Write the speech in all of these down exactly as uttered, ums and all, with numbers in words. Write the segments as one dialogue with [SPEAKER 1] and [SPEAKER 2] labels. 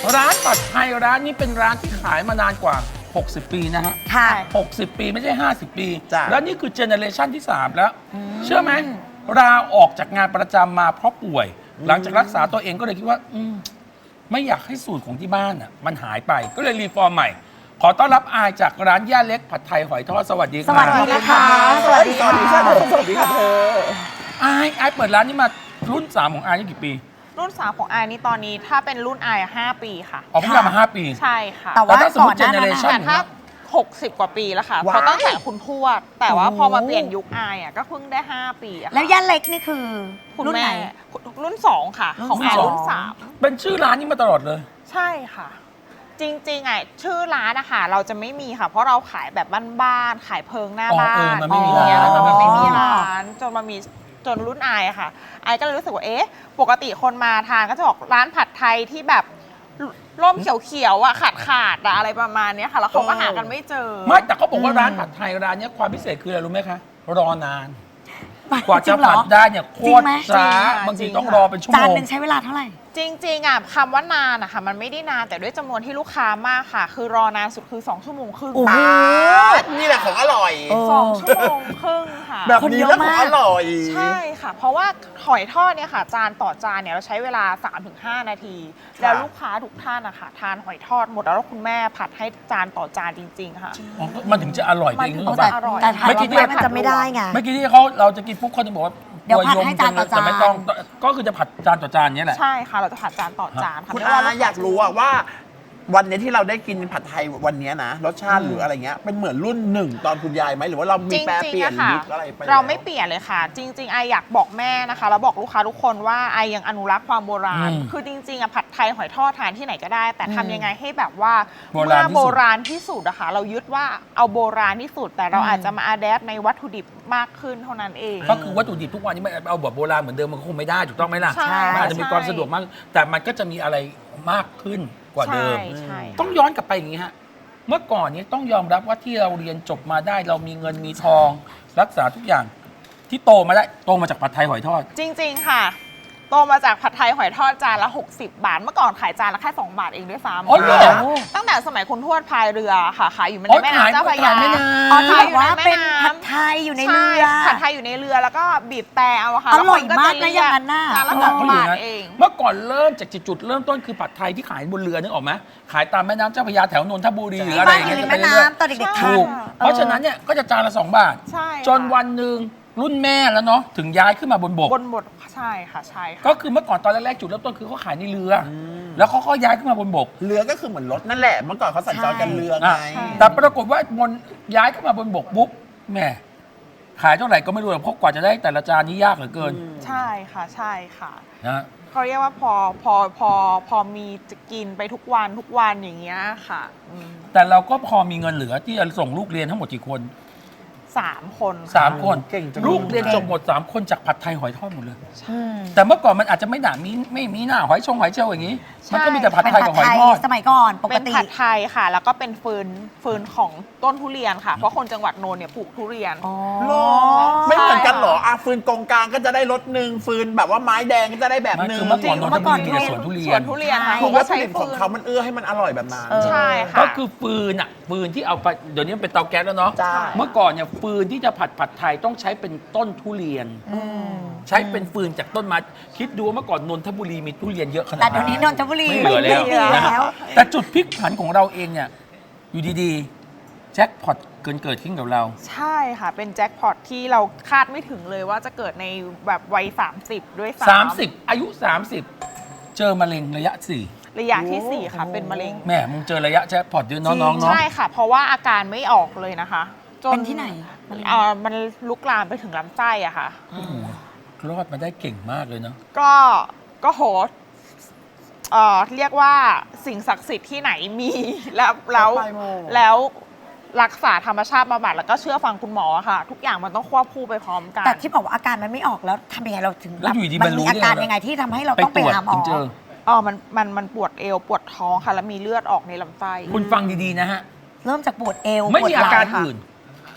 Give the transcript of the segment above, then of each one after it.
[SPEAKER 1] ร้านผัดไทยร้านนี้เป็นร้านที่ขายมานานกว่าหกสิบปีนะฮะ
[SPEAKER 2] ค่ะ
[SPEAKER 1] หกสิบปีไม่ใช่ห้าสิบปี
[SPEAKER 3] จ้ะ
[SPEAKER 1] แล้วนี่คือเจเนอเรชันที่สามแล้ว เชื่อไหมลาออกจากงานประจำมาเพราะป่วย หลังจากรักษาตัวเองก็เลยคิดว่า อืมไม่อยากให้สูตรของที่บ้านอ่ะมันหายไปก็เลยรีฟอร์มใหม่ ขอต้อนรับอายจากร้านย่าเล็กผัดไทยหอยทอดสวัสดีครับ
[SPEAKER 2] สวัสดีนะคะ
[SPEAKER 3] สวัสดีค่ะสวัสดีค่ะเธอ
[SPEAKER 1] อายอายเปิดร้านนี้มารุ่นสามของอายนี่กี่ปี
[SPEAKER 4] รุ่นสามของไอนี่ตอนนี้ถ้าเป็นรุ่นไอห้าปีค่ะ
[SPEAKER 1] ออกเพิ่งมาห้าปี
[SPEAKER 4] ใช่ค่ะ
[SPEAKER 2] แต่ว่า
[SPEAKER 1] แต่ถ้าสมมุติ
[SPEAKER 2] ก่อนหน้านั้น
[SPEAKER 1] generation
[SPEAKER 4] แต่ถ้าหกสิบกว่าปีแล้วค่ะ
[SPEAKER 3] ว้าย
[SPEAKER 4] เพราะตั้งแต่คุณทวด แต่ว่า
[SPEAKER 2] โอ้
[SPEAKER 4] พอมาเปลี่ยนยุคไออ่ะก็เพิ่งได้ ห้า ปีอะค่ะ
[SPEAKER 2] แล้วย่าเล็กนี่คือ
[SPEAKER 4] คุณ
[SPEAKER 2] รุ่น
[SPEAKER 4] แม่
[SPEAKER 2] ไหน
[SPEAKER 4] รุ่นสองค่ะ ของไอ
[SPEAKER 2] รุ่นสอง
[SPEAKER 4] รุ่นสาม
[SPEAKER 1] เป็นชื่อร้านนี้มาตลอดเลย
[SPEAKER 4] ใช่ค่ะ จริงๆอ่ะชื่อร้านนะคะเราจะไม่มีค่ะ เพราะเราขายแบบบ้านๆขายเพิงหน้า
[SPEAKER 1] อ๋อ
[SPEAKER 4] บ้า
[SPEAKER 1] เออน มันไม่มี
[SPEAKER 4] อย่างเงี้ย
[SPEAKER 1] ร้าน
[SPEAKER 4] แล้วมันไม่มี
[SPEAKER 2] อ๋อ
[SPEAKER 4] ร้านจนมามีจนรุ่นไออะค่ะไอก็เลยรู้สึกว่าเอ๊ะปกติคนมาทานก็จะบอกร้านผัดไทยที่แบบร่มเขียวๆอ่ะขาดขาดๆอะอะไรประมาณเนี้ยค่ะ แล้วเขาก็หากันไม่เจอ
[SPEAKER 1] ไม่แต่เขาบอกว่าร้านผัดไทยร้านเนี้ยความพิเศษคืออะไรรู้ไหมคะ รอนาน กว่า
[SPEAKER 2] จริ
[SPEAKER 1] จะ
[SPEAKER 2] งเหร
[SPEAKER 1] ผั
[SPEAKER 2] อ
[SPEAKER 1] ดได้เนี่ยโค
[SPEAKER 2] จริ
[SPEAKER 1] ต
[SPEAKER 2] งไหม
[SPEAKER 1] รช้า
[SPEAKER 4] จริงค่ะ
[SPEAKER 1] บางที
[SPEAKER 4] จริง
[SPEAKER 1] ต้อง
[SPEAKER 4] ค่ะ
[SPEAKER 1] รอเป็นชั่ว
[SPEAKER 2] จาน
[SPEAKER 1] โมง
[SPEAKER 2] หนึ่งใช้เวลาเท่าไหร่
[SPEAKER 4] จริงๆอ่ะคำว่านานอะค่ะมันไม่ได้นานแต่ด้วยจำนวนที่ลูกค้ามากค่ะ คือรอนานสุดคือสองชั่วโมงครึ่ง
[SPEAKER 2] โอ้โห
[SPEAKER 3] นี่แหละของอร่อย
[SPEAKER 2] เออ
[SPEAKER 4] สองชั่วโมงครึ่งค่ะ
[SPEAKER 3] แบบนี้แล้วของอร่อย
[SPEAKER 4] ใช่ค่ะ เพราะว่าหอยทอดเนี่ยค่ะ จานต่อจานเนี่ยเราใช้เวลา สามถึงห้า นาที แล้วลูกค้าทุกท่านนะคะทานหอยทอดหมดแล้วคุณแม่ผัดให้จานต่อจานจริง ๆ ค่ะ
[SPEAKER 1] อ๋อมันถึงจะอร่อยจริง
[SPEAKER 4] มันถึ
[SPEAKER 1] นึ
[SPEAKER 4] ง
[SPEAKER 1] กออก
[SPEAKER 4] จะ
[SPEAKER 1] ปะ
[SPEAKER 4] อร่อย
[SPEAKER 2] แต่ทาน
[SPEAKER 1] เมื่อกี้
[SPEAKER 2] ไปมันจะไม่ได้ไง
[SPEAKER 1] เมื่อกี้ที่เขาเราจะกินปุ๊บเขาจะบอกว่า
[SPEAKER 2] เดี๋ยวผัด
[SPEAKER 1] ตั
[SPEAKER 2] ให้จานต่อจาน
[SPEAKER 1] แต่ไม่ต้องก็คือจะผัดจานต่อจานเนี้ยแหละ
[SPEAKER 4] ใช่ค่ะ เราจะผัดจานต่อจานค่ะ
[SPEAKER 3] คุณ
[SPEAKER 4] ไม่
[SPEAKER 3] อา
[SPEAKER 4] ว่ลูค้
[SPEAKER 3] อยากรู้อะว่า วันนี้ที่เราได้กินผัดไทยวันนี้นะรสชาติหรืออะไรเงี้ยเป็นเหมือนรุ่นหนึ่งตอนคุณยายไหมหรือว่าเรามี
[SPEAKER 4] จริง
[SPEAKER 3] แปร
[SPEAKER 4] ๆ
[SPEAKER 3] เปลี่ยน
[SPEAKER 4] อะค่ะ
[SPEAKER 3] ยุคอะไรไป
[SPEAKER 4] เรา
[SPEAKER 3] แล้ว
[SPEAKER 4] ไม่เปลี่ยนเลยค่ะ จริง ๆ ไออยากบอกแม่นะคะแล้วบอกลูกค้าทุกคนว่าไอยังอนุรักษ์ความโบราณ
[SPEAKER 1] อืม
[SPEAKER 4] คือจริงๆอะผัดไทยหอยทอดทานที่ไหนก็ได้ แต่ทำยังไงให้แบบว่า
[SPEAKER 1] โบราณที่สุด
[SPEAKER 4] เมื่อโบราณที่สุดอะค่ะเรายึดว่าเอาโบราณที่สุด แต่เราอาจจะมาอัดแอปในวัตถุดิบมากขึ้นเท่านั้นเอง
[SPEAKER 1] ก็คือวัตถุดิบทุกวันนี้มันเอาแบบโบราณเหมือนเดิมมันก็คงไม่ได้ถูกต้องไหมล่ะ
[SPEAKER 4] ใช่
[SPEAKER 1] มันอาจจะมีความสะดวกมาก แต่มันก็จะมีอะไรมากขึ้นกว่าเดิม
[SPEAKER 4] ใช่ใช่
[SPEAKER 1] ต้องย้อนกลับไปอย่างนี้ฮะ เมื่อก่อนนี้ต้องยอมรับว่าที่เราเรียนจบมาได้เรามีเงินมีทอง รักษาทุกอย่างที่โตมาได้โตมาจากผัดไทยหอยทอด
[SPEAKER 4] จริง ๆ ค่ะ โตมาจากผัดไทยหอยทอดจานละ หกสิบ บาท เมื่อก่อนขายจานละแค่ สอง บาทเองด้วยซ้ำ
[SPEAKER 1] อ๋อเหรอ
[SPEAKER 4] ตั้งแต่สมัยคุณทวดพายเรือค่ะ ขายอยู่ใน
[SPEAKER 1] อ๋อ
[SPEAKER 4] แม่
[SPEAKER 1] ขาย
[SPEAKER 4] น้ำเจ้าพระยา
[SPEAKER 1] ขายแม่น้ำ
[SPEAKER 2] อ๋อที่
[SPEAKER 4] ขาย
[SPEAKER 2] บอกว่า
[SPEAKER 4] อยู่ใแม่
[SPEAKER 2] เป็น
[SPEAKER 4] ำ
[SPEAKER 2] ผัดไทยอยู่ในเรือ
[SPEAKER 4] ใช่ผัดไทยอยู่ในเรือแล้วก็บีบแต่เอาอะค่ะ
[SPEAKER 2] อร่อย
[SPEAKER 4] แล้วคน
[SPEAKER 2] มาก
[SPEAKER 4] จะ
[SPEAKER 2] นะอย่างนั้นน่ะ
[SPEAKER 4] จานละ
[SPEAKER 1] เขา
[SPEAKER 4] ส
[SPEAKER 1] บอ
[SPEAKER 4] อก ง
[SPEAKER 1] เขาอยู่
[SPEAKER 4] บาท
[SPEAKER 1] นะ
[SPEAKER 4] เอง
[SPEAKER 1] เมื่อก่อนเริ่มจากจุดเริ่มต้นคือผัดไทยที่ขายบนเรือนึกออกไหมขายตามแม่น้ำเจ้าพระยาแถวนนทบุรีหรืออะไร
[SPEAKER 2] บ้า
[SPEAKER 1] อน ย่าง
[SPEAKER 2] อยู่
[SPEAKER 1] เงี้ย
[SPEAKER 2] ใน
[SPEAKER 1] จะไป
[SPEAKER 2] แม่
[SPEAKER 1] เรื่อย
[SPEAKER 2] น้ำตอนเด็กๆ
[SPEAKER 1] ๆ
[SPEAKER 2] ทา
[SPEAKER 1] ถู
[SPEAKER 2] น
[SPEAKER 1] กเพราะฉะนั้นเนี่ยก็จะจานละสองบาท
[SPEAKER 4] ใช่
[SPEAKER 1] จนวันหนึ่งรุ่นแม่แล้วเนาะถึงย้ายขึ้นมาบนบก
[SPEAKER 4] บนบทใช่ค่ะใช่ค่ะ
[SPEAKER 1] ก็คือเมื่อก่อนตอนแรกๆจุดเริ่มต้นคือเขาขายในเรืออแล้วเขาก็ย้ายขึ้นมาบนบก
[SPEAKER 3] เรือก็คือเหมือนรถนั่นแหละเมื่อก่อนเขาสัญจรกันเรือไง
[SPEAKER 1] อ่ะแต่ปรากฏว่าบนย้ายขึ้นมาบนบกปุ๊บแหม่ขายเท่าไหร่ก็ไม่รู้หรอกเพราะกว่าจะได้แต่ละจานนี่ยากเหลือเกิน
[SPEAKER 4] ใช่ค่ะใช่ค่ะ
[SPEAKER 1] นะ
[SPEAKER 4] เขาเรียกว่าพอพอพอพอมีจะกินไปทุกวันทุกวันอย่างเงี้ยค่ะอืม
[SPEAKER 1] แต่เราก็พอมีเงินเหลือที่จะส่งลูกเรียนทั้งหมดกี่คน
[SPEAKER 4] สามคน
[SPEAKER 1] สามคน
[SPEAKER 3] เก่งจัง
[SPEAKER 1] ลูกเรียนจบหมดสามคนจากผัดไทยหอยทอดหมดเลย
[SPEAKER 2] อืม
[SPEAKER 1] แต่เมื่อก่อนมันอาจจะไม่หนามีไม่มีหน้าหอยชงหอยเชลล์อย่างนี้ มันก็มีแต่ผัด
[SPEAKER 2] เป็น
[SPEAKER 1] ไทย
[SPEAKER 2] ผั
[SPEAKER 1] กั
[SPEAKER 2] ด
[SPEAKER 1] บหอย
[SPEAKER 2] ไทย
[SPEAKER 1] ทอด
[SPEAKER 2] สมัยก่อนปก
[SPEAKER 4] เป็น
[SPEAKER 2] ติ
[SPEAKER 4] ผัดไทยค่ะ แล้วก็เป็นฟืนฟืนของต้นทุเรียนค่ะ เพราะคนจังหวัดโนนเนี่ยปลูกทุเรียน
[SPEAKER 2] อ๋อ
[SPEAKER 3] หรอไม่เหมือนกันเหรออ่ะฟืนกองกลางก็จะได้รสหนึ่งฟืนแบบว่าไม้แดงก็จะได้แบบ
[SPEAKER 1] มัน
[SPEAKER 3] หนึ่ง
[SPEAKER 1] คือเมื่อก่อนนนทบุรีมีแต่
[SPEAKER 2] เมื่
[SPEAKER 1] ส
[SPEAKER 2] อ
[SPEAKER 1] วน
[SPEAKER 2] ก่อน
[SPEAKER 1] ทุเรี
[SPEAKER 4] ส
[SPEAKER 1] ย
[SPEAKER 4] วน นทุเรียนค่ะ
[SPEAKER 3] คือ
[SPEAKER 4] เขา
[SPEAKER 3] วั
[SPEAKER 4] ก็
[SPEAKER 3] ตถุ
[SPEAKER 4] ใช้
[SPEAKER 3] ดิบข
[SPEAKER 4] ฟื
[SPEAKER 3] อง
[SPEAKER 4] น
[SPEAKER 3] เขามันเอื้อให้มันอร่อยแบบนั้น
[SPEAKER 2] เออ
[SPEAKER 4] ใช่ค่ะ
[SPEAKER 1] ก็คือฟืนอ่ะฟืนที่เอาไปเดี๋ยวนี้มันเป็นเตาแก๊สแล้วเนาะ
[SPEAKER 3] จ้า
[SPEAKER 1] เมื่อก่อนเนี่ยฟืนที่จะผัดผัดไทยต้องใช้เป็นต้นทุเรียน
[SPEAKER 2] อืม
[SPEAKER 1] ใช้เป็นฟืนจากต้นไม้คิดดูว่าเมื่อก่อนนนทบุรีมีทุเรียนเยอะขนาด
[SPEAKER 2] แต่เดี๋ยวนี้นนทบุรี
[SPEAKER 1] ไม่เหลือแล้ว
[SPEAKER 2] ไม่มี
[SPEAKER 1] นะ
[SPEAKER 2] แล้ว
[SPEAKER 1] แต่จุดพลิกผันของเราเองเนี่ยอยู่ดีๆแจ็คพอตเกินเกิดขึ้นกับเรา
[SPEAKER 4] ใช่ค่ะ เป็นแจ็คพอตที่เราคาดไม่ถึงเลยว่าจะเกิดในแบบวัย สามสิบ ด้วยซ้ำ
[SPEAKER 1] 30 อายุ 30 เจอมะเร็งระยะสี่
[SPEAKER 4] ระยะที่สี่ค่ะเป็นมะเร็ง
[SPEAKER 1] แหม่มึงเจอระยะแจ็คพอตด้วยน้องๆเนาะ
[SPEAKER 4] ใช่ค่ะ เพราะว่าอาการไม่ออกเลยนะคะจ
[SPEAKER 2] เป็นที่ไหนมะเร็ง
[SPEAKER 4] เอ่อมันลุกลามไปถึงลำไส้อะค่ะ
[SPEAKER 1] โอ้โหรอดมาได้เก่งมากเลยเนาะ
[SPEAKER 4] ก็ก็โหเอ่อเรียกว่าสิ่งศักดิ์สิทธิ์ที่ไหนมี แล้วแล้ว
[SPEAKER 3] ไปหมด
[SPEAKER 4] แล้วรักษาธรรมชาติบำบัดแล้วก็เชื่อฟังคุณหมอค่ะ ทุกอย่างมันต้องควบคู่ไปพร้อมกัน
[SPEAKER 2] แต่ที่บอกว่าอาการมันไม่ออกแล้วทำยังไงเราถึง
[SPEAKER 1] แล้วอยู่ดี
[SPEAKER 2] มั
[SPEAKER 1] มัน
[SPEAKER 2] น
[SPEAKER 1] รู้
[SPEAKER 2] มีอาการ
[SPEAKER 1] ได้ไง
[SPEAKER 2] ยังไงที่ทำให้เรา
[SPEAKER 1] ไป
[SPEAKER 2] ต้อง
[SPEAKER 1] ต
[SPEAKER 2] ไป
[SPEAKER 1] รวจ
[SPEAKER 2] หาหมอ
[SPEAKER 1] ถึงเจอ
[SPEAKER 4] อ๋อมันมันมันปวดเอวปวดท้องค่ะ แล้วมีเลือดออกในลำไส้
[SPEAKER 1] คุณฟังดีๆนะฮะ
[SPEAKER 2] เริ่มจากปวดเอว
[SPEAKER 1] ไม่
[SPEAKER 2] ปวด
[SPEAKER 1] มี
[SPEAKER 2] ห
[SPEAKER 1] อา
[SPEAKER 2] ลัง
[SPEAKER 1] การ
[SPEAKER 4] ค่ะ
[SPEAKER 1] อื่น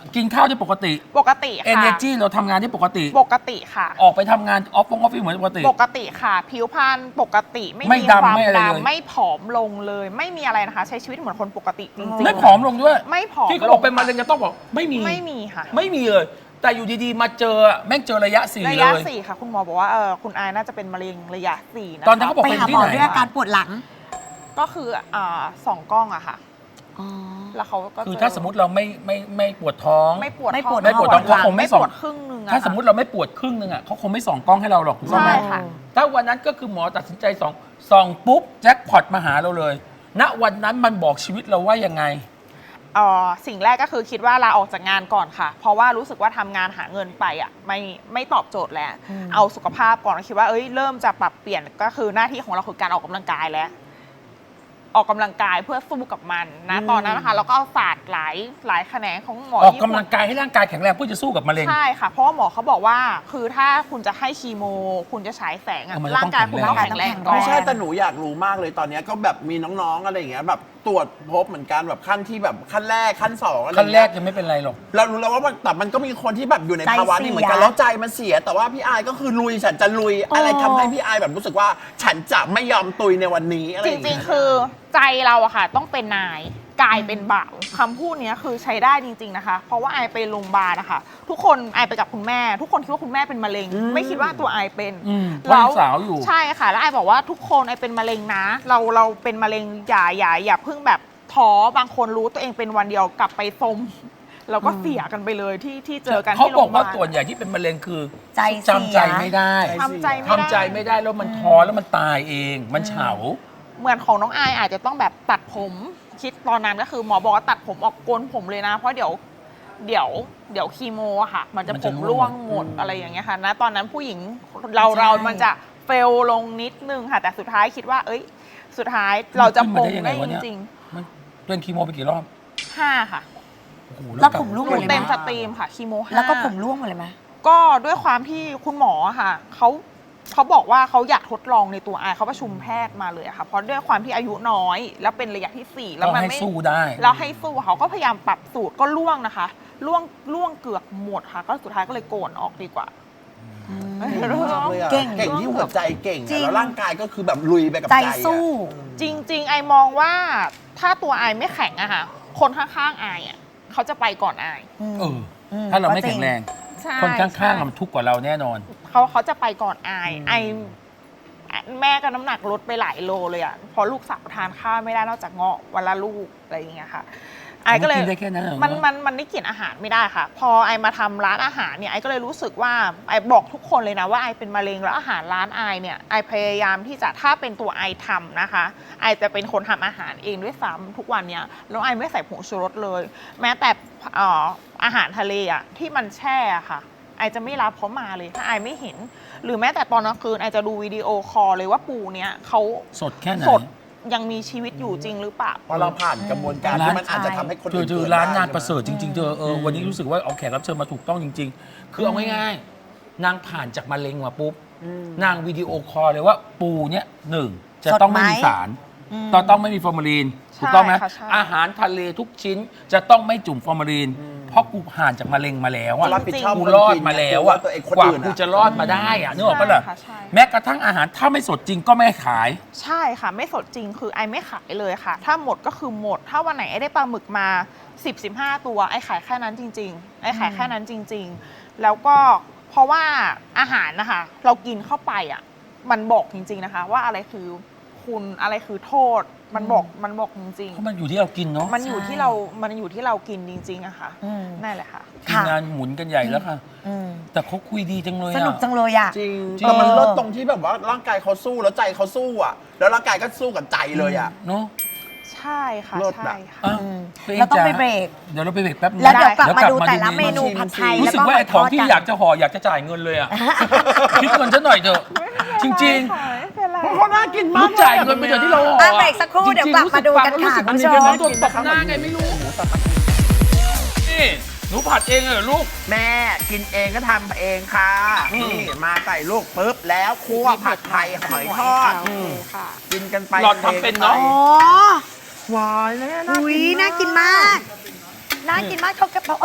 [SPEAKER 1] กินข้าวได้ปกติ
[SPEAKER 4] ปกติค่ะ
[SPEAKER 1] energy เราทำงานได้ปกติ
[SPEAKER 4] ปกติค่ะ
[SPEAKER 1] ออกไปทำงานออฟฟงออฟฟิศเหมือนปกติ
[SPEAKER 4] ปกติค่ะ ผิวพรรณปกติไม่
[SPEAKER 1] ไม่
[SPEAKER 4] มี
[SPEAKER 1] ดำ
[SPEAKER 4] ความ
[SPEAKER 1] ไม่อะไรเลย
[SPEAKER 4] ดำไม่ผอมลงเลย ไม่มีอะไรนะคะ ใช้ชีวิตเหมือนคนปกติจริงๆ
[SPEAKER 1] ไม่ผอมลงด้วย
[SPEAKER 4] ไม่ผอม
[SPEAKER 1] ที่เขาบอกเป็นมะเร็งจะต้องบอกไม่มี
[SPEAKER 4] ไม่มีค่ะ
[SPEAKER 1] ไม่มีเลย แต่อยู่ดีๆ มาเจอแม่งเจอระยะสี่
[SPEAKER 4] ระ
[SPEAKER 1] เลย
[SPEAKER 4] ะสี่ค่ะ คุณหมอบอกว่าเออคุณอายน่าจะเป็นมะเร็งระยะสี่นะคะ
[SPEAKER 1] ตอนนั้นเขาบอก
[SPEAKER 2] ไป
[SPEAKER 1] เป็น
[SPEAKER 2] หา
[SPEAKER 1] ที่
[SPEAKER 2] หมอ
[SPEAKER 1] ไหน
[SPEAKER 2] ด้วยอาการปวดหลัง
[SPEAKER 4] ก็คืออ่าสองกล้องอะค่ะ
[SPEAKER 2] อ๋อ
[SPEAKER 4] แล้วเขาก็
[SPEAKER 1] คือ
[SPEAKER 4] เจ
[SPEAKER 1] ถ้าสมมติเราไม่ไม่ไม่ปวดท้อง
[SPEAKER 4] ไม่ปวด
[SPEAKER 2] ไม่ปวด
[SPEAKER 1] ไม่ปวดท้อง
[SPEAKER 4] หลั
[SPEAKER 1] เขาคงไม่
[SPEAKER 4] ไม่
[SPEAKER 1] ส่อง
[SPEAKER 4] ปวดครึ่งหนึงอะ
[SPEAKER 1] ถ้าสมมติเราไม่ปวดครึ่งนึงอ่ะเขาคงไม่ส่องกล้องให้เราหรอกถูกต้องไหม
[SPEAKER 4] ใช่ค่ะ
[SPEAKER 1] ถ้าวันนั้นก็คือหมอตัดสินใจส่องส่องปุ๊บแจ็คพอตมาหาเราเลย ณวันนั้นมันบอกชีวิตเราว่ายังไง
[SPEAKER 4] เอ่อสิ่งแรกก็คือคิดว่าลาออกจากงานก่อนค่ะ เพราะว่ารู้สึกว่าทำงานหาเงินไปอ่ะไม่ไม่ตอบโจทย์แล้ว
[SPEAKER 2] อืม
[SPEAKER 4] เอาสุขภาพก่อนคิดว่าเอ้ยเริ่มจะปรับเปลี่ยนก็คือหน้าที่ของเราคือการออกกำลังกายแล้ว ออกกำลังกายเพื่อสู้กับมันนะตอนนั้นนะคะเราก็เอาศาสตร์หลายหลายแขนงของหมอ
[SPEAKER 1] ออก
[SPEAKER 4] ญี่
[SPEAKER 1] กำ
[SPEAKER 4] ปุ่
[SPEAKER 1] ลั
[SPEAKER 4] น
[SPEAKER 1] งกายให้ร่างกายแข็งแรงเพื่อจะสู้กับมะเร็ง
[SPEAKER 4] ใช่ค่ะ เพราะว่าหมอเขาบอกว่าคือถ้าคุณจะให้คีโม คุณจะฉายแสงอะ
[SPEAKER 1] เออมัน
[SPEAKER 4] ร่างกายคุณต้อง
[SPEAKER 1] ต้องแข็
[SPEAKER 4] แข็
[SPEAKER 1] ง
[SPEAKER 4] ง
[SPEAKER 1] แร
[SPEAKER 4] แรง งก่อน
[SPEAKER 3] ไม่ใช่แต่หนูอยากรู้มากเลยตอนเนี้ยก็แบบมีน้องๆอะไรอย่างเงี้ยแบบตรวจพบเหมือนกันแบบขั้นที่แบบขั้นแรกขั้นสองอะไร
[SPEAKER 1] ขั้นแร
[SPEAKER 3] เงี้
[SPEAKER 1] ก
[SPEAKER 3] ย
[SPEAKER 1] ยังไม่เป็นไรหรอก
[SPEAKER 3] เรารู้แล้วว่ามันแต่มันก็มีคนที่แบบอยู่ใน
[SPEAKER 2] ใจ
[SPEAKER 3] ภาวะนี้เหมือนกัน
[SPEAKER 2] เสีย
[SPEAKER 3] แล้วใจมันเสีย แต่ว่าพี่อายก็คือลุยฉันจะลุยอะไรทำให้พี่อายแบบรู้สึกว่าฉันจะไม่ยอมตุยในวันนี้อะไร
[SPEAKER 4] จ
[SPEAKER 3] อย่าง
[SPEAKER 4] ริ
[SPEAKER 3] เงี้
[SPEAKER 4] ง
[SPEAKER 3] ย
[SPEAKER 4] ๆ คือใจเราอะค่ะ ต้องเป็นนายกายเป็นบ่าวคำพูดเนี้ยคือใช้ได้จริง ๆนะคะ เพราะว่าไอไปโรงพยาบาลนะคะทุกคนไอไปกับคุณแม่ ทุกคนคิดว่าคุณแม่เป็นมะเร็ง
[SPEAKER 3] อืม
[SPEAKER 4] ไม่คิดว่าตัวไอเป็น
[SPEAKER 1] อืม
[SPEAKER 4] แล้ว
[SPEAKER 1] เพราะยังสาวอยู่
[SPEAKER 4] ใช่ค่ะ แล้วไอบอกว่าทุกคนไอเป็นมะเร็งนะ เราเราเป็นมะเร็งอย่าอย่าอย่าเพิ่งแบบท้อบางคนรู้ตัวเองเป็นวันเดียวกลับไปสมเราก็เสียกันไปเลยที่ที่เจอกัน
[SPEAKER 1] เขา
[SPEAKER 4] ที่
[SPEAKER 1] บ
[SPEAKER 4] โร
[SPEAKER 1] อก
[SPEAKER 4] งพยาบา
[SPEAKER 1] ว่า
[SPEAKER 4] ล
[SPEAKER 1] ส่วนใหญ่ที่เป็นมะเร็งคือ
[SPEAKER 2] ใจเสีย
[SPEAKER 1] จำใจไม่ได้
[SPEAKER 4] ทำใจไม่
[SPEAKER 1] ทำ
[SPEAKER 4] ได้
[SPEAKER 1] ใจไม่ได้แล้วมันท้อแล้วมันตายเอง มันเฉา
[SPEAKER 4] เหมือนของน้องอายอาจจะต้องแบบตัดผมคิดตอนนั้นก็คือหมอบอกว่าตัดผมออกโกนผมเลยนะ เพราะเดี๋ยวเดี๋ยวเดี๋ยวคีโมอะค่ะ มันจะ
[SPEAKER 1] มัน
[SPEAKER 4] ผ
[SPEAKER 1] จะ
[SPEAKER 4] ม
[SPEAKER 1] ร่
[SPEAKER 4] ร่
[SPEAKER 1] ว
[SPEAKER 4] ว
[SPEAKER 1] ง
[SPEAKER 4] งหมดอะไรอย่างเงี้ยค่ะนะตอนนั้นผู้หญิงเราเรามันจะเฟลลงนิดนึงค่ะ แต่สุดท้ายคิดว่า เอ้ย สุดท้ายเราจะปลงได้จริง
[SPEAKER 1] มันเป็นคีโมไปกี่รอบ
[SPEAKER 4] ๆห้าค่ะ
[SPEAKER 1] โอ้โห
[SPEAKER 2] แล้ว
[SPEAKER 1] กลับ
[SPEAKER 2] ผมร่วง
[SPEAKER 4] ห
[SPEAKER 2] ห
[SPEAKER 4] นู
[SPEAKER 2] มดเลย
[SPEAKER 4] เต็ม
[SPEAKER 2] ไหม
[SPEAKER 4] สตรีมค่ะคีโมห้า
[SPEAKER 2] แล้วก็ผมร่วงหมดเลยไหม
[SPEAKER 4] ก็ด้วยความที่คุณหมออะค่ะเขาเขาบอกว่าเขาอยากทดลองในตัวอายเขาประชุมแพทย์มาเลยอะค่ะเพราะด้วยความที่อายุน้อย แล้วเป็นระยะที่สี่แล้ว
[SPEAKER 1] ต้อง
[SPEAKER 4] มัน
[SPEAKER 1] ให้
[SPEAKER 4] ไม่
[SPEAKER 1] สู้ได้
[SPEAKER 4] แล้วให้สู้เขาก็พยายามปรับสูตรก็ล่วงนะคะล่วงล่วงเกือบหมดค่ะ ก็สุดท้ายก็เลยโกนออกดีกว่า
[SPEAKER 3] เก่งมากเลยอะ
[SPEAKER 2] เก่ง
[SPEAKER 3] เก่งที่หัวใจเก่งอะ
[SPEAKER 2] จริง
[SPEAKER 3] แล้วร่างกายก็คือแบบลุยไปกับ
[SPEAKER 2] ใจ
[SPEAKER 3] ใจอะ
[SPEAKER 2] สู้
[SPEAKER 4] จริง ๆ ไอมองว่าถ้าตัวไอไม่แข็งอะค่ะคนข้างๆไออะเขาจะไปก่อนไอ
[SPEAKER 1] เออ ถ้าเราไม่แข็งแรง
[SPEAKER 4] ใช่
[SPEAKER 1] คนข้างๆ
[SPEAKER 4] ใช่
[SPEAKER 1] อะมันทุกข์กว่าเราแน่นอน
[SPEAKER 4] เขาเขาจะไปก่อนไอไอแม่ก็น้ำหนักลดไปหลายโลเลยอะเพราะลูกสาวทานข้าวไม่ได้นอกจากเงาะวันละลูกอะไรอย่างเงี้ยค่ะ ไอก็เลย
[SPEAKER 1] กินได้แค่นั้นเหรอ
[SPEAKER 4] มันมันมันไม่กินอาหารไม่ได้ค่ะ พอไอมาทำร้านอาหารเนี่ยไอก็เลยรู้สึกว่าไอบอกทุกคนเลยนะว่าไอเป็นมะเร็งแล้วอาหารร้านไอเนี่ยไอพยายามที่จะถ้าเป็นตัวไอทำนะคะไอจะเป็นคนทำอาหารเองด้วยซ้ำทุกวันเนี่ยแล้วไอไม่ใส่ผงชูรสเลย แม้แต่เอ่ออาหารทะเลอ่ะที่มันแช่อะค่ะ ไอจะไม่รับเขามาเลยถ้าไอไม่เห็น หรือแม้แต่ตอนกลางคืนไอจะดูวิดีโอคอลเลยว่าปูเนี้ยเขา
[SPEAKER 1] สดแค่ไหน
[SPEAKER 4] สดยังมีชีวิตอยู่จริงหรือเปล่า
[SPEAKER 3] เพราะเราผ่านกระบวนการที่มันอาจจะทำให้คน
[SPEAKER 1] เธอ
[SPEAKER 3] อื่น
[SPEAKER 1] เธอ
[SPEAKER 3] กิด
[SPEAKER 1] ร้าน
[SPEAKER 3] ได้
[SPEAKER 1] งาน
[SPEAKER 3] ใช่ไหม
[SPEAKER 1] ประเสริฐจริงๆเธอเออวันนี้รู้สึกว่าเอาแขกรับเชิญมาถูกต้องจริง ๆ คือเอาง่ายๆนางผ่านจากมะเร็งมาปุ๊บ
[SPEAKER 3] อืม
[SPEAKER 1] นางวิดีโอคอลเลยว่าปูเนี่ยหนึ่งจะ
[SPEAKER 2] สด
[SPEAKER 1] ต้องไม่
[SPEAKER 2] ไหม
[SPEAKER 1] มีสารต้องต้องไม่มีฟอร์มาลีนถูกต้องไหม
[SPEAKER 4] ใช่ค่ะใช่
[SPEAKER 1] อาหารทะเลทุกชิ้นจะต้องไม่จุ่มฟอร์มาลีน เพราะกูผ่านจากมะเร็งมาแล้วอะ
[SPEAKER 3] รับผิดชอบ
[SPEAKER 1] กู
[SPEAKER 3] คน
[SPEAKER 1] รอด
[SPEAKER 3] กิน
[SPEAKER 1] มาแล้ว
[SPEAKER 3] ว่า
[SPEAKER 1] อะ
[SPEAKER 3] ตัวเองคน
[SPEAKER 1] กว่า
[SPEAKER 3] อื่น
[SPEAKER 1] กู
[SPEAKER 3] อะ
[SPEAKER 1] จะรอดมาได้อะนึกออกปะล่ะ
[SPEAKER 4] ใช่ค่ะใช่
[SPEAKER 1] แม้กระทั่งอาหารถ้าไม่สดจริงก็ไม่ขาย
[SPEAKER 4] ใช่ค่ะ ไม่สดจริงคือไอไม่ขายเลยค่ะ ถ้าหมดก็คือหมด ถ้าวันไหนไอได้ปลาหมึกมา สิบ สิบห้า ตัวไอขายแค่นั้นจริง ๆ ไอขายแค่นั้นจริง ๆ แล้วก็เพราะว่าอาหารนะคะเรากินเข้าไปอ่ะมันบอกจริง ๆนะคะ ว่าอะไรคือคุณอะไรคือโทษมันบอกมันบอกจริง
[SPEAKER 1] เพราะมันอยู่ที่เรากินเนาะ
[SPEAKER 4] ๆ มันอยู่ที่เรา มันอยู่ที่เรากินจริงๆอะค่ะ
[SPEAKER 2] อืม
[SPEAKER 4] นั่นแหละค่ะ
[SPEAKER 1] ทีมงานหมุนกันใหญ่แล้วค่ะ
[SPEAKER 2] อืม
[SPEAKER 1] แต่เขาคุยดีจังเลย
[SPEAKER 2] ส
[SPEAKER 1] อะ
[SPEAKER 2] นุกจังเลยอ่ะ
[SPEAKER 3] จริง
[SPEAKER 1] จริง
[SPEAKER 3] แต่มันเลิศตรงที่แบบว่าร่างกายเขาสู้แล้วใจเขาสู้อ่ะ แล้วร่างกายก็สู้กับใจเลยอ่ะ
[SPEAKER 1] เนาะ
[SPEAKER 4] ใช่ค่ะ
[SPEAKER 3] เลิศ
[SPEAKER 4] ใช่
[SPEAKER 3] อะ
[SPEAKER 4] ค่ะ
[SPEAKER 1] อ่ะ
[SPEAKER 2] อืม
[SPEAKER 1] ตัวง
[SPEAKER 2] เราต้องไป
[SPEAKER 1] จ๋า
[SPEAKER 2] เบรก
[SPEAKER 1] เดี๋ยวเราไปเบรกแป๊บนึง
[SPEAKER 2] แล้วเดี๋ยวกลับมา
[SPEAKER 1] เดี๋ยว
[SPEAKER 2] ดูแต่ละเมนู
[SPEAKER 3] ชิม
[SPEAKER 2] ผัดไทย
[SPEAKER 1] รู้
[SPEAKER 2] แล้ว
[SPEAKER 1] สึก
[SPEAKER 2] ก็
[SPEAKER 1] ว่าไอ้ของที่
[SPEAKER 2] ทดน
[SPEAKER 1] อยากจะห่ออยากจะจ่ายเงินเลยอ่ะ คิดเงินฉันหน่อยเถอะ จริง
[SPEAKER 4] ไม่เป็นไร
[SPEAKER 3] เพราะเขาน่ากิน
[SPEAKER 1] ๆ
[SPEAKER 3] มา
[SPEAKER 1] รู้
[SPEAKER 3] ก
[SPEAKER 1] จ่ายเงินไปเถอะที่เราห่อ
[SPEAKER 2] อ่ะเบรกสักครู่เดี๋ยวกลับมาดูกันค่ะ
[SPEAKER 1] จริงๆ
[SPEAKER 2] คุณผู้ช
[SPEAKER 1] รู้
[SPEAKER 2] ม
[SPEAKER 1] สึกว่ามันเป็นน้ำโดนตบหน้าไงไม่รู้ นี่หนูผัดเองเหรอลูก
[SPEAKER 3] แม่กินเองก็ทำเองค่ะ
[SPEAKER 1] อืม
[SPEAKER 3] นี่มาใส่ลูกปุ๊บแล้วคั่วผัดไทยหอยทอด
[SPEAKER 4] โอเคค่ะ
[SPEAKER 3] กินกันไป
[SPEAKER 1] หล่อนทำเป็นเนาะ
[SPEAKER 2] อ๋อ
[SPEAKER 3] วายแล้ว
[SPEAKER 2] อุ้ยน่ากินมาก น่ากินมากเขากระเพราเอ้ย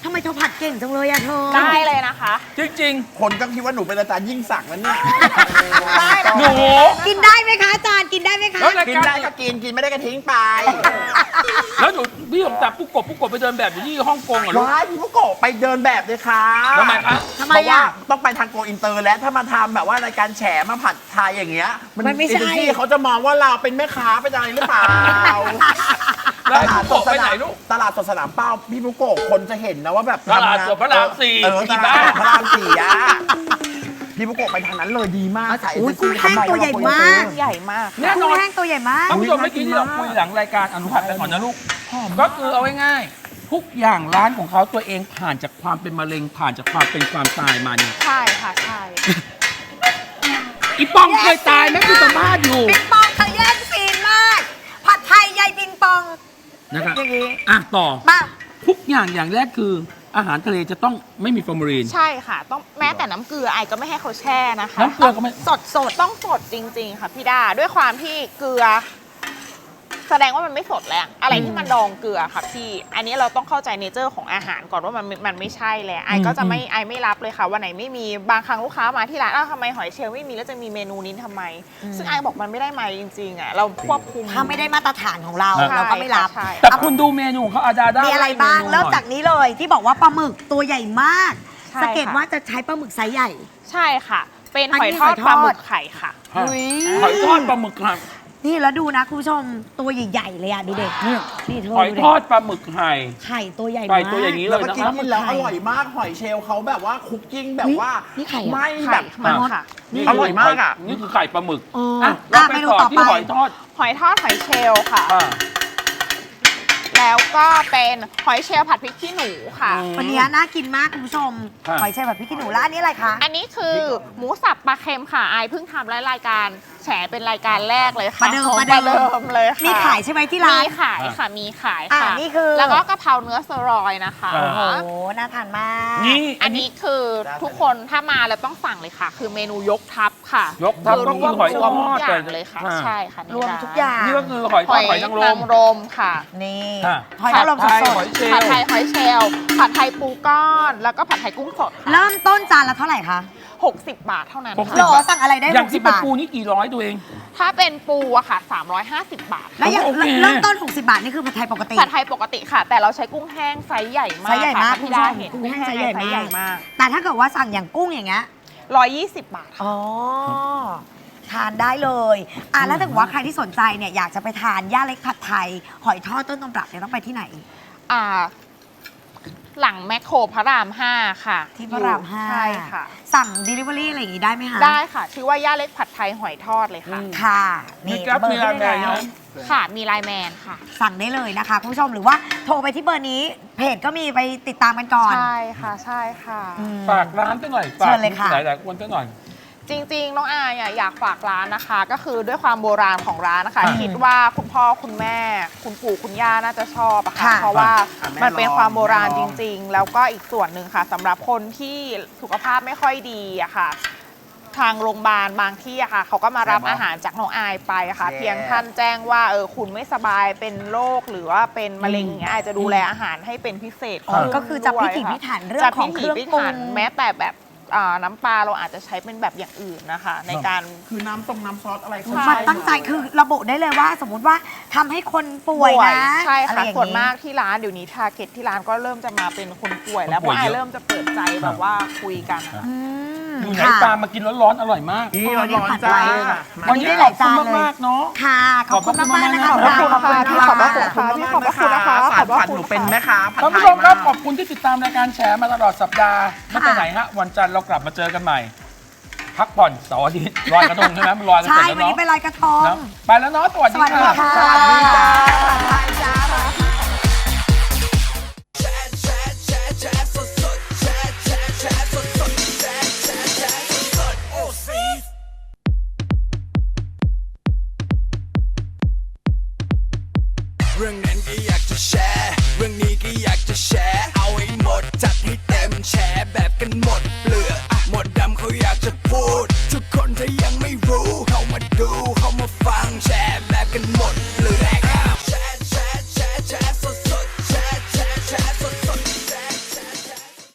[SPEAKER 2] ทำไมเธอผัดเก่งจังเลยอะเธอ
[SPEAKER 4] ได้เลยนะคะ
[SPEAKER 1] จริง
[SPEAKER 3] คนก็คิดว่าหนูเป็นอาจารย์ยิ่งศักดิ์แล้วเนี่ย
[SPEAKER 4] ได้
[SPEAKER 1] ๆ หนู
[SPEAKER 2] กินได้ไหมคะอาจารย์กินได้ไหมคะ
[SPEAKER 1] แล้วราย
[SPEAKER 3] กิน
[SPEAKER 1] การ
[SPEAKER 3] ได้ก็กินกินไม่ได้ก็ทิ้งไป
[SPEAKER 1] แล้วหนูพี่ผมจับปุ๊กกบปุ๊กกบไปเดินแบบอยู่ที่ฮ่องกงเหรอลูก
[SPEAKER 3] ว้ายพี่มุกโกะไปเดินแบบเลยค่ะ
[SPEAKER 1] ทำไมคะ
[SPEAKER 2] ทำไม
[SPEAKER 3] เพราะว่า
[SPEAKER 2] อะ
[SPEAKER 3] ต้องไปทางโกอินเตอร์และถ้ามาทำแบบว่ารายการแฉมาผัดไทยอย่างเงี้ย
[SPEAKER 2] มันไม่ใช่
[SPEAKER 3] เอเจนซี่เขาจะมองว่าเราเป็นแม่ค้าเป็นอะไรหรือเปล่า
[SPEAKER 1] แล้วพี่มุกโกะไปไหนลูก
[SPEAKER 3] ตลาดสดสนามเป้าพี่มุกโกะคนจะเห็นนะว่าแบบ
[SPEAKER 1] ตลาดสดพระรามสี่
[SPEAKER 3] เออ
[SPEAKER 1] ที่
[SPEAKER 3] ตลา
[SPEAKER 1] บ้าน
[SPEAKER 3] ดสดพระรามสี่อะพี่มุกโกะไปทางนั้นเลยดีมากสายเอ
[SPEAKER 2] อุ๊
[SPEAKER 3] เจ
[SPEAKER 2] ย
[SPEAKER 3] นซี่
[SPEAKER 2] กุ้งแห้งตัวใหญ่มาก
[SPEAKER 4] ใหญ่มาก
[SPEAKER 1] แน่น
[SPEAKER 2] กุ้
[SPEAKER 1] อง น
[SPEAKER 2] แห้งตัวใหญ่มาก
[SPEAKER 1] ท่านผู้ชมเมื่อกี้ที่เราคุยหลังรายการอนุผัดไปก่อนนะลูกก็คือเอาง่ายๆทุกอย่างร้านของเขาตัวเองผ่านจากความเป็นมะเร็งผ่านจากความเป็นความตายมาเนี่ย
[SPEAKER 4] ใช่ค่ะใช่
[SPEAKER 1] อีปองเคยตายไหมคือสัมภาษณ์อยู่
[SPEAKER 2] ปิงปองเธอแย่งซีนมาก ผัดไทยยายปิงปอง
[SPEAKER 1] นะครับ
[SPEAKER 2] อย่างนี้
[SPEAKER 1] อ่ะต่อ
[SPEAKER 2] มา
[SPEAKER 1] ทุกอย่างอย่างแรกคืออาหารทะเลจะต้องไม่มีฟอร์มาลีน
[SPEAKER 4] ใช่ค่ะ ต้องแม้แต่น้ำเกลือไอก็ไม่ให้เขาแช่นะคะ
[SPEAKER 1] น้ำเกลือก็ไม่
[SPEAKER 4] สดสดต้องสดจริง ๆ ค่ะพี่ดาด้วยความที่เกลือ แสดงว่ามันไม่สดแล้วอะไรที่มันดองเกลือค่ะพี่ อันนี้เราต้องเข้าใจเนเจอร์ของอาหารก่อนว่ามันมันไม่ใช่แล้วไอก็จะไม่ไอไม่รับเลยค่ะวันไหนไม่มีบางครั้งลูกค้ามาที่ร้านอ้าวทำไมหอยเชลล์ไม่มีแล้วจะมีเมนูนี้ทำไม ซึ่งไอบอกมันไม่ได้มาจริงๆอ่ะเราควบคุม
[SPEAKER 2] ถ้าไม่ได้มาตรฐานของเรา
[SPEAKER 1] ใช่
[SPEAKER 2] เราก็ไม่รับ
[SPEAKER 4] ใช่
[SPEAKER 1] แต่คุณดูเมนูของเขาอาดาด้า
[SPEAKER 2] มี
[SPEAKER 1] มี
[SPEAKER 2] อะไรบ้างเริ่มจากนี้เลยที่บอกว่าปลาหมึกตัวใหญ่มาก
[SPEAKER 4] ใช่
[SPEAKER 2] สังเกต
[SPEAKER 4] ค่ะ
[SPEAKER 2] ว่าจะใช้ปลาหมึกไซส์ใหญ่
[SPEAKER 4] ใช่ค่ะ เป็น
[SPEAKER 2] อัน
[SPEAKER 4] หอย
[SPEAKER 2] นี้
[SPEAKER 4] ทอด
[SPEAKER 2] หอยทอด
[SPEAKER 4] ปลาหมึกไข่ค่ะ
[SPEAKER 2] อุ๊ย
[SPEAKER 1] หอยทอดปลาหมึกครับ
[SPEAKER 2] นี่แล้วดูนะคุณผู้ชมตัวใหญ่ๆเลยอ่ะดูเด็ก
[SPEAKER 1] เนี่ย
[SPEAKER 2] นี่เธอ
[SPEAKER 1] หอย
[SPEAKER 2] ดู
[SPEAKER 1] ทอดปลาหมึกไข่
[SPEAKER 2] ไข่ตัวใหญ่
[SPEAKER 1] ไข่
[SPEAKER 2] มาก
[SPEAKER 1] ตัวอย่างนี้เล
[SPEAKER 3] แล้ว
[SPEAKER 1] ย
[SPEAKER 3] ก็
[SPEAKER 1] นะ
[SPEAKER 3] กิ
[SPEAKER 1] คน รับ
[SPEAKER 3] กินแล้วอร่อยมากหอยเชลล์เขาแบบว่าคุกกิ้งแบบว่า
[SPEAKER 2] นี่ไข่เหรอ
[SPEAKER 3] ไม่
[SPEAKER 4] ไข่
[SPEAKER 3] แบบ
[SPEAKER 4] มันค่ะ
[SPEAKER 1] นี่
[SPEAKER 3] อร่อยมากอะ
[SPEAKER 1] นี่คือไข่ปลาหมึก
[SPEAKER 2] เออ
[SPEAKER 1] อ่ะ
[SPEAKER 2] อ่ะ
[SPEAKER 1] เราไป
[SPEAKER 2] เมนู
[SPEAKER 1] ต่อ
[SPEAKER 2] ต่อ
[SPEAKER 1] ที่
[SPEAKER 2] ไป
[SPEAKER 1] หอยทอด
[SPEAKER 4] หอยทอดหอยเชลล์ค่ะ
[SPEAKER 1] อ่า
[SPEAKER 4] แล้วก็เป็นหอยเชลล์ผัดพริกขี้หนูค่ะ
[SPEAKER 1] อืม
[SPEAKER 2] วันนี้น่ากินมากคุณผู้ชม
[SPEAKER 1] ครับ
[SPEAKER 2] หอยเชลล์แบบพริกขี้หนูแล้วอันนี้อะไรคะ
[SPEAKER 4] อันนี้คือหมูสับปลาเค็มค่ะไอายเพิ่งทำรายการแฉเป็นรายการแรกเลยค่ะ
[SPEAKER 2] ประเดิม
[SPEAKER 4] ของ
[SPEAKER 2] ประเดิม
[SPEAKER 4] ประเดิมเลยค่ะ
[SPEAKER 2] มีขายใช่ไหมที่ร้าน
[SPEAKER 4] มีขายค่ะมีขาย
[SPEAKER 2] อ่ะ
[SPEAKER 4] ค่ะ
[SPEAKER 2] นี่คือ
[SPEAKER 4] แล้วก็กะเพราเนื้อสเตอรอยด์นะคะ
[SPEAKER 1] อ่า
[SPEAKER 2] โอ้โหน่าทานมาก
[SPEAKER 1] นี่
[SPEAKER 4] อันนี้คือทุกคนถ้ามาแล้วต้องสั่งเลยค่ะ คือเมนูยกทัพค่ะ
[SPEAKER 1] ยกทัพ
[SPEAKER 4] คือ
[SPEAKER 1] ก็คือหอยทอด
[SPEAKER 4] รวมทุกอย่าง
[SPEAKER 1] เลย
[SPEAKER 4] เลยค่ะ
[SPEAKER 1] อ่า
[SPEAKER 4] ใช่ค่ะ
[SPEAKER 2] รวมทุกอย่าง
[SPEAKER 1] นี่ก็คือหอยท
[SPEAKER 4] ห
[SPEAKER 1] อ
[SPEAKER 4] อ
[SPEAKER 1] ด
[SPEAKER 4] ย
[SPEAKER 1] หอยนางร
[SPEAKER 4] นาม งรมค่ะ
[SPEAKER 2] นี่
[SPEAKER 1] อ่ะ
[SPEAKER 2] หอยนางรมส
[SPEAKER 1] ผัดไทย
[SPEAKER 2] ด
[SPEAKER 1] หอยเชล
[SPEAKER 4] ผัด
[SPEAKER 1] ล์
[SPEAKER 4] ไทยหอยเชลล์ผัดไทยปูก้อน แล้วก็ผัดไทยกุ้งสด
[SPEAKER 2] ๆเริ่มต้นจานละเท่าไหร่คะ
[SPEAKER 4] หกสิบบาทเท่านั้น
[SPEAKER 1] หกสิ
[SPEAKER 2] หร
[SPEAKER 1] บ
[SPEAKER 2] อสั่งอะไรได้
[SPEAKER 1] อย่าง
[SPEAKER 2] หกสิ
[SPEAKER 1] ที่
[SPEAKER 2] บ
[SPEAKER 1] เป็น
[SPEAKER 2] บาท
[SPEAKER 1] ปูนี่กี่ร้อยตัวเอง
[SPEAKER 4] ถ้าเป็นปูอะค่ะสามร้อยห้าสิบบาท
[SPEAKER 2] แล้วอย่าง
[SPEAKER 1] โอเค
[SPEAKER 2] เริ่มต้น หกสิบบาท นี่คือผัดไทยปกติ
[SPEAKER 4] ผัดไทยปกติค่ะ แต่เราใช้กุ้งแห้งไซส์ใหญ่มาก
[SPEAKER 2] ไซส์ใหญ่มาก
[SPEAKER 4] ค่ะพี่ดา
[SPEAKER 2] คุณผู้ชม
[SPEAKER 4] เห็น
[SPEAKER 2] กุ้งแห้งไซส์ใหญ่มาก
[SPEAKER 4] ใหญ่มาก
[SPEAKER 2] แต่ถ้าเกิดว่าสั่งอย่างกุ้งอย่างเงี้ย
[SPEAKER 4] ร้อยยี่สิบบาทค่ะ
[SPEAKER 2] อ๋อ ทานได้เลยอ่ะแล้วถ้าเกิดว่าใครที่สนใจเนี่ยอยากจะไปทานย่าเล็กผัดไทย หอยทอดต้นตำรับเนี่ยต้องไปที่ไหน
[SPEAKER 4] อ่า หลังแมคโครพระรามห้าค่ะ
[SPEAKER 2] ที่พระรามห้า
[SPEAKER 4] ใช่ค่ะ
[SPEAKER 2] สั่ง Delivery อะไรอย่างงี้ได้ไหมคะ
[SPEAKER 4] ได้ค่ะ ชื่อว่าย่าเล็กผัดไทยหอยทอดเลยค่ะ
[SPEAKER 2] ค่ะ
[SPEAKER 1] มี
[SPEAKER 2] นี่
[SPEAKER 1] แก๊ป
[SPEAKER 2] เบอ
[SPEAKER 1] มี
[SPEAKER 2] ร์
[SPEAKER 1] อะไร
[SPEAKER 2] ได้
[SPEAKER 1] ไหม
[SPEAKER 2] แล้ว
[SPEAKER 4] ค่ะ มีไลน์แมนค่ะ
[SPEAKER 2] สั่งได้เลยนะคะคุณผู้ชมหรือว่าโทรไปที่เบอร์นี้ เพจก็มีไปติดตามกันก่อน
[SPEAKER 4] ใช่ค่ะ ใช่ค่ะ
[SPEAKER 2] อืม
[SPEAKER 1] ฝากร้านตั้งหน่อย
[SPEAKER 2] เชิญเลยค่ะ
[SPEAKER 1] หลายๆคนตั้งหน่อย
[SPEAKER 4] จริงๆ น้องอายอ่ะอยากฝากร้านนะคะ ก็คือด้วยความโบราณของร้านนะคะ
[SPEAKER 1] อ่า
[SPEAKER 4] คิดว่าคุณพ่อคุณแม่ คุณปู่คุณย่าน่าจะชอบอะค่ะ
[SPEAKER 2] ค่ะ
[SPEAKER 4] เพราะว่า
[SPEAKER 3] อ่ะแม่
[SPEAKER 4] มันเป็น
[SPEAKER 3] ลอง
[SPEAKER 4] ความโบราณ
[SPEAKER 3] แม่ล
[SPEAKER 4] จ
[SPEAKER 3] อง
[SPEAKER 4] ริง ๆ แล้วก็อีกส่วนหนึ่งค่ะสำหรับคนที่สุขภาพไม่ค่อยดีอะค่ะ ทางโรงพยาบาลบางที่อะค่ะเขาก็มารับอาหารจากน้องอายไปอะค่ะ
[SPEAKER 3] แย่
[SPEAKER 4] เพียงท่านแจ้งว่าเออคุณไม่สบายเป็นโรคหรือว่าเป็นมะเร็งอย่างเงี้ยอายจะดูแลอาหารให้เป็นพิเศษ
[SPEAKER 2] อ๋อ
[SPEAKER 4] ขึ้น
[SPEAKER 2] ก็คือจะพิถี
[SPEAKER 4] ด้วย
[SPEAKER 2] พิถันเรื่อ
[SPEAKER 4] จะ
[SPEAKER 2] งของเครื่อง
[SPEAKER 4] พิถีพิ
[SPEAKER 2] ปรุ
[SPEAKER 4] ถัน
[SPEAKER 2] ง
[SPEAKER 4] แม้แต่แบบอ่าน้ำปลาเราอาจจะใช้เป็นแบบอย่างอื่นนะคะ ในการ
[SPEAKER 3] คือน้ำตรงน้ำซอสอะไรเขา
[SPEAKER 4] ใช่
[SPEAKER 2] มันตั้งใจคือระบุได้เลยว่า สมมุติว่าทำให้คนป่วยนะ
[SPEAKER 4] ใช่
[SPEAKER 2] อะไร
[SPEAKER 4] ค่ะ
[SPEAKER 2] อย่าง
[SPEAKER 4] ส่วนมากที่ร้านเดี๋ยวนี้ทาร์เก็ตที่ร้านก็เริ่มจะมาเป็นคนป่วยแล้ว
[SPEAKER 1] คน
[SPEAKER 4] เพ
[SPEAKER 1] ป่วย
[SPEAKER 4] ราะไอ
[SPEAKER 1] เยอะ
[SPEAKER 4] เริ่มจะเปิดใจแบบว่าคุยกันอะ
[SPEAKER 2] อืม
[SPEAKER 1] อยู่ไหน
[SPEAKER 2] ค่ะ
[SPEAKER 1] ตามมากินร้อนๆอร่อยมาก
[SPEAKER 3] นี่
[SPEAKER 2] โอ้
[SPEAKER 3] เรา
[SPEAKER 2] นี่
[SPEAKER 3] ร้อน
[SPEAKER 2] ผัด
[SPEAKER 3] จ้า
[SPEAKER 2] ไว้
[SPEAKER 1] วันนี้
[SPEAKER 2] ได้
[SPEAKER 1] ข
[SPEAKER 2] ห
[SPEAKER 1] อ
[SPEAKER 2] ลา
[SPEAKER 1] บ
[SPEAKER 2] ย
[SPEAKER 1] คุ
[SPEAKER 2] จา
[SPEAKER 1] ณ
[SPEAKER 2] นเลย
[SPEAKER 1] มากๆเนาะ
[SPEAKER 2] ค่ะ ขอบคุณมากๆนะคะ
[SPEAKER 1] ขอบคุณ
[SPEAKER 2] ขอบคุณ
[SPEAKER 4] ข
[SPEAKER 2] ค่ะ
[SPEAKER 4] อบคุณค่ะ
[SPEAKER 3] ขอบคุณมากๆนะคะสารผัดหนูเป็นแม่ค้าผัด
[SPEAKER 1] ท่าน
[SPEAKER 3] ไท
[SPEAKER 1] ผู้
[SPEAKER 3] ย
[SPEAKER 1] ชมครับ
[SPEAKER 3] มาก
[SPEAKER 1] ขอบคุณที่ติดตามรายการแชร์มาตลอดสัปดาห์ไม่ไปไหนฮะวันจันทร์เรากลับมาเจอกันใหม่ พักผ่อนเสาร์อาทิตย์ลอยกระทงใช่ไหมมันลอยกัน
[SPEAKER 2] ใช่
[SPEAKER 1] เสร็จแล้ว
[SPEAKER 2] วันนี้
[SPEAKER 1] เนาะ
[SPEAKER 2] ไปลอยกระทง
[SPEAKER 1] นะไปแล้วเนาะสวัส
[SPEAKER 2] ส
[SPEAKER 1] ดี
[SPEAKER 2] วัสดี
[SPEAKER 1] ค่ะ
[SPEAKER 2] ค่ะ
[SPEAKER 3] สวัสดีจ้า